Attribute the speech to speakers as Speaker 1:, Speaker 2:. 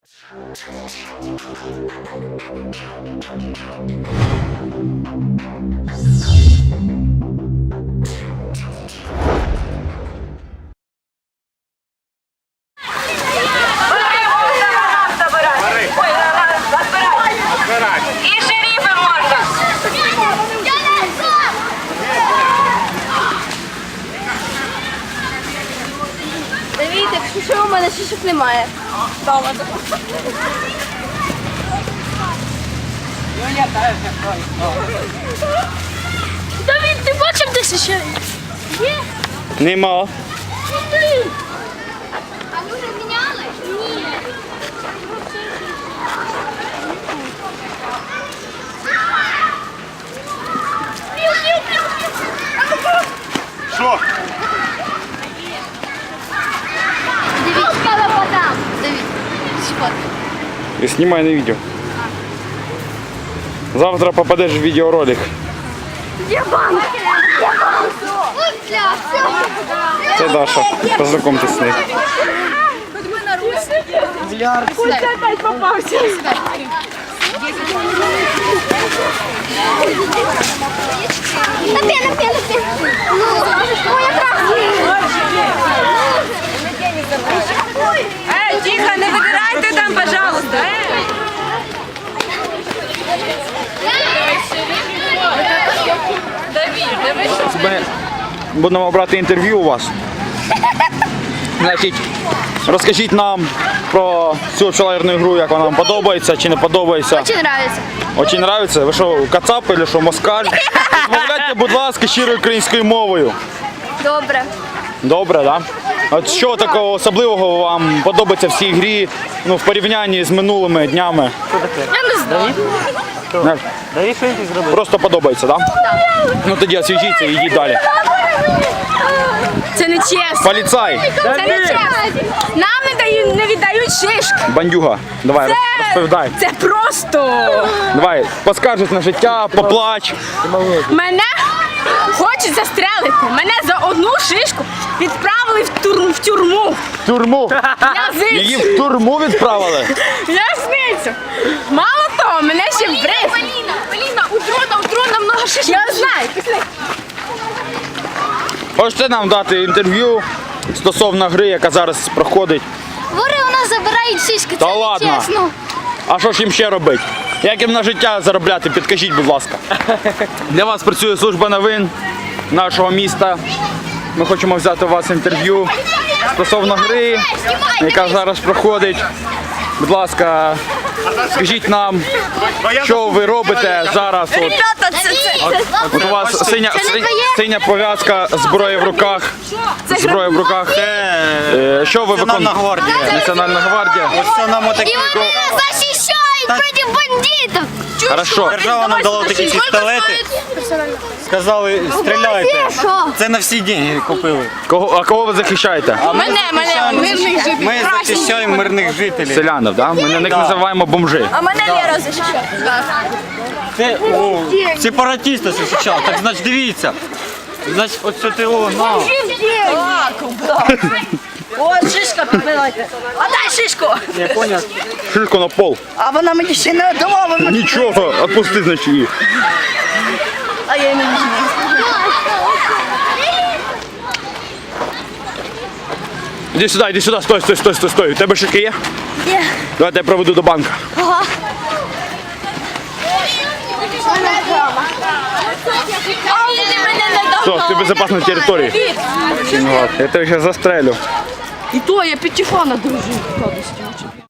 Speaker 1: І шерифи можна.
Speaker 2: Дивіться, що у мене шишок немає. Давід, ти бачив десь ще? Є?
Speaker 3: Нема.
Speaker 2: А ви вже міняли? Ні.
Speaker 3: Що?
Speaker 2: Дивіться, я подам. Давід, сфоткай.
Speaker 3: І знімай на відео. Завтра попадеш в відеоролик.
Speaker 2: Є банк! Є банк!
Speaker 3: Це Даша. Познайомтесь з нею.
Speaker 2: Це опять попався. Напей. Ой, якраз.
Speaker 1: Тихо, не вибирайте там, пожалуйста.
Speaker 3: Ми будемо брати інтерв'ю у вас. Значить, розкажіть нам про цю пчеларну гру, як вона вам подобається чи не подобається.
Speaker 2: Очень нравится.
Speaker 3: Очень нравиться? Ви що, кацап чи що, москаль? Розмовляйте, будь ласка, щирою українською мовою.
Speaker 2: Добре.
Speaker 3: Добре, так? Да? От що такого особливого вам подобається в цій грі, ну, в порівнянні з минулими днями?
Speaker 2: Я не знаю.
Speaker 3: Просто подобається, так? Да? Ну тоді освіжіться і йдіть далі.
Speaker 2: Це не чесно.
Speaker 3: Поліцай!
Speaker 2: Це не чесно. Нам не віддають шишки.
Speaker 3: Бандюга, давай, розповідай.
Speaker 2: Це просто.
Speaker 3: Давай, поскаржись на життя, поплач.
Speaker 2: Мене хочуть застрелити. Мене за одну шишку відправили в тюрму.
Speaker 3: В тюрму. Її в тюрму відправили.
Speaker 2: В'язницю. Мало того, мене ще вбрив. Поліна, у дрона много шишок. Я знаю.
Speaker 3: Хочете нам дати інтерв'ю стосовно гри, яка зараз проходить?
Speaker 2: Вори у нас забирають шишки.
Speaker 3: Та ладно. А що ж їм ще робити? Як їм на життя заробляти? Підкажіть, будь ласка. Для вас працює служба новин нашого міста. Ми хочемо взяти у вас інтерв'ю стосовно гри, яка зараз проходить. Будь ласка, скажіть нам, що ви робите зараз. От у вас синя пов'язка, зброя в руках. Зброя в руках. Що ви виконуєте? Національна гвардія.
Speaker 4: Ось нам отакі.
Speaker 2: І вони нас захищають проти бандитів.
Speaker 3: Хорошо.
Speaker 4: Держава нам дала такі пістолети. Сказали, стріляйте. Це на всі деньги купили.
Speaker 3: А кого ви захищаєте?
Speaker 4: Ми захищаємо мирних жителів.
Speaker 3: Селянів, да? Ми на них називаємо бомжи.
Speaker 2: А мене Лера захищає.
Speaker 4: Це сепаратисти захищали. Так значить дивіться. Значить, ось це ти на.
Speaker 1: О, шишка підбивайте. А дай шишку.
Speaker 4: Я поняв.
Speaker 3: Шишку на пол.
Speaker 1: А вона мені ще не дала.
Speaker 3: Нічого, отпусти, значить, її.
Speaker 1: А я не візьму.
Speaker 3: Іди сюди, стой. У тебе шишки є?
Speaker 2: Є.
Speaker 3: Давайте я проведу до банка.
Speaker 2: Ага.
Speaker 3: Все, ти в безпечній території. Я тебе зараз застрелю.
Speaker 1: І то я п'ятифана дружу.